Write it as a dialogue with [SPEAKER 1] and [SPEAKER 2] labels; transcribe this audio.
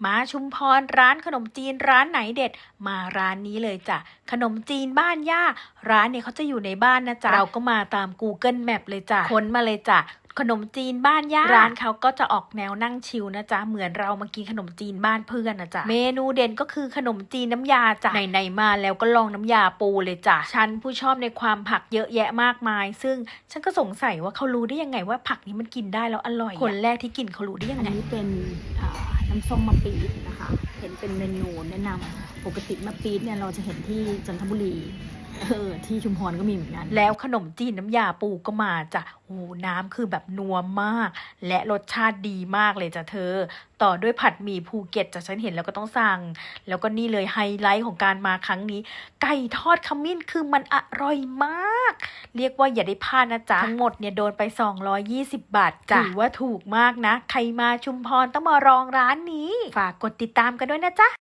[SPEAKER 1] มาชุมพรร้านขนมจีนร้านไหนเด็ดมาร้านนี้เลยจ้ะขนมจีนบ้านย่าร้านเนี่ยเขาจะอยู่ในบ้านนะจ๊ะเราก็มาตาม Google Map เลยจ้ะค้นมาเลยจ้ะขนมจีนบ้านย่าร้านเขาก็จะออกแนวนั่งชิลนะจ๊ะเหมือนเรามากินขนมจีนบ้านเพื่อนนะจ๊ะเมนูเด่นก็คือขนมจีนน้ำยาจ้ะไหนๆมาแล้วก็ลองน้ำยาปูเลยจ้ะฉันผู้ชอบในความผักเยอะแยะมากมายซึ่งฉันก็สงสัยว่าเขารู้ได้ยังไงว่าผักนี้มันกินได้แล้วอร่อยคนแรกที่กินเขารู้ได้ยังไง
[SPEAKER 2] อันนี้เป็นน้ำส้มมะปี๊ดนะคะเห็นเป็นเมนูแนะนำปกติมะปี๊ดเนี่ยเราจะเห็นที่จันทบุรีที่ชุมพรก็มีเหมือนกัน
[SPEAKER 1] แล้วขนมจีนน้ำยาปูก็มาจ้ะโอ้น้ำคือแบบนัวมากและรสชาติดีมากเลยจ้ะเธอต่อด้วยผัดหมี่ภูเก็ตจ้ะฉันเห็นแล้วก็ต้องสั่งแล้วก็นี่เลยไฮไลท์ของการมาครั้งนี้ไก่ทอดขมิ้นคือมันอร่อยมากเรียกว่าอย่าได้พลาดนะจ๊ะทั้งหมดเนี่ยโดนไป220 บาทจ้ะถือว่าถูกมากนะใครมาชุมพรต้องมาลองร้านนี้ฝากกดติดตามกันด้วยนะจ๊ะ